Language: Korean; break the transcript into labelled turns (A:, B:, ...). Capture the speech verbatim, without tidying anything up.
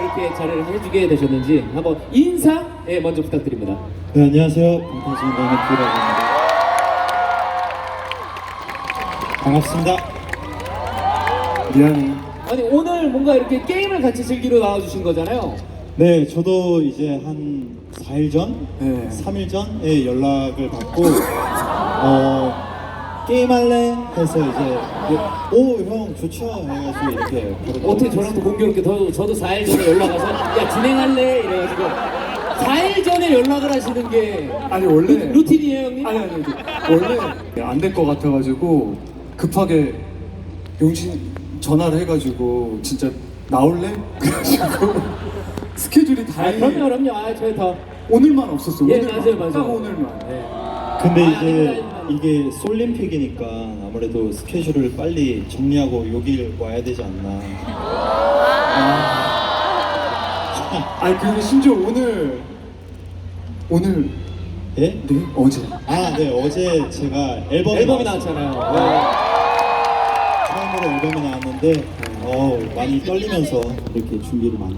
A: 이렇게 자리를 해주게 되셨는지 한번 인사 예, 먼저 부탁드립니다.
B: 네, 안녕하세요. 방탄소년단의 뷰라고 합니다. 반갑습니다. 미안해.
A: 아니 오늘 뭔가 이렇게 게임을 같이 즐기러 나와주신 거잖아요.
B: 네, 저도 이제 한 사 일 전,
C: 네.
B: 삼 일 전에 연락을 받고 어, 게임할래? 해서 이제 오, 형 좋죠? 해가지고 이렇게 바로
A: 어떻게 저랑 또 공교롭게 저, 저도 사 일 전에 연락 와서 야 진행할래? 이래가지고 사 일 전에 연락을 하시는 게
C: 아니 원래
A: 루, 루틴이에요 형님?
C: 아니 아니 아니. 원래 안 될 것 같아가지고 급하게 용신 전화를 해가지고 진짜 나올래? 그래가지고 스케줄이
A: 아
C: 다행히
A: 그럼요 그럼요 아 저희 더
C: 오늘만 없었어.
A: 예,
C: 오늘만.
A: 맞아요, 맞아요.
C: 딱 오늘만.
A: 네.
B: 근데
A: 아,
B: 이제
A: 아닙니다, 아닙니다.
B: 이게 솔림픽이니까 아무래도 스케줄을 빨리 정리하고 여길 와야 되지 않나.
C: 아니 그리고 심지어 오늘 오늘
B: 예?
C: 네 어제
B: 아, 네, 어제 제가 앨범이,
A: 앨범이
B: 나왔어요.
A: 나왔잖아요.
B: 처음으로 앨범이 나왔는데 어, 많이 떨리면서 이렇게 준비를 많이